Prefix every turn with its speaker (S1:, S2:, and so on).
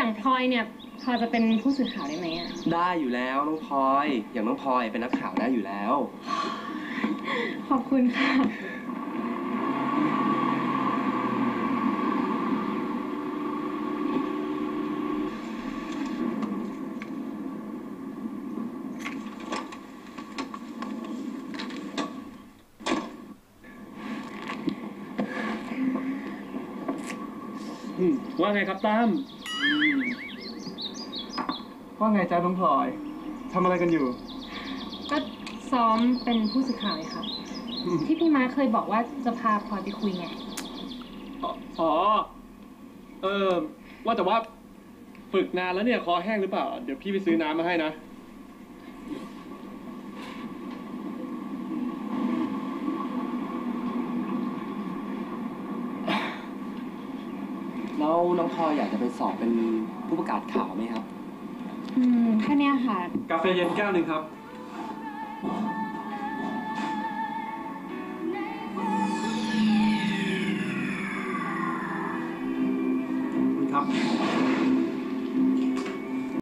S1: อย่างพลอยเนี่ยพอจะเป็นผู้สื่อข่าวได้ไหมอ่ะ
S2: ได้อยู่แล้วน้องพลอยอย่างน้องพลอยเป็นนักข่าวได้อยู่แล้ว
S1: ขอบคุณค่ะ
S3: ว่าไงครับตั้ม
S4: ว่าไงจ๊ะน้องพลอยทำอะไรกันอยู่
S1: ก็ซ้อมเป็นผู้สื่อข่าวเลยค่ะที่พี่ม้าเคยบอกว่าจะพาพลอยไปคุยไง
S3: อ๋อว่าแต่ว่าฝึกนานแล้วเนี่ยคอแห้งหรือเปล่าเดี๋ยวพี่ไปซื้อน้ำมาให้นะ
S2: แล้วน้องพลอยอยากจะไปสอบเป็นผู้ประกาศข่าวไหมครับ
S1: แค่นี้ค่ะ
S3: กาแฟเย็นแก้วหนึ่งครับครับ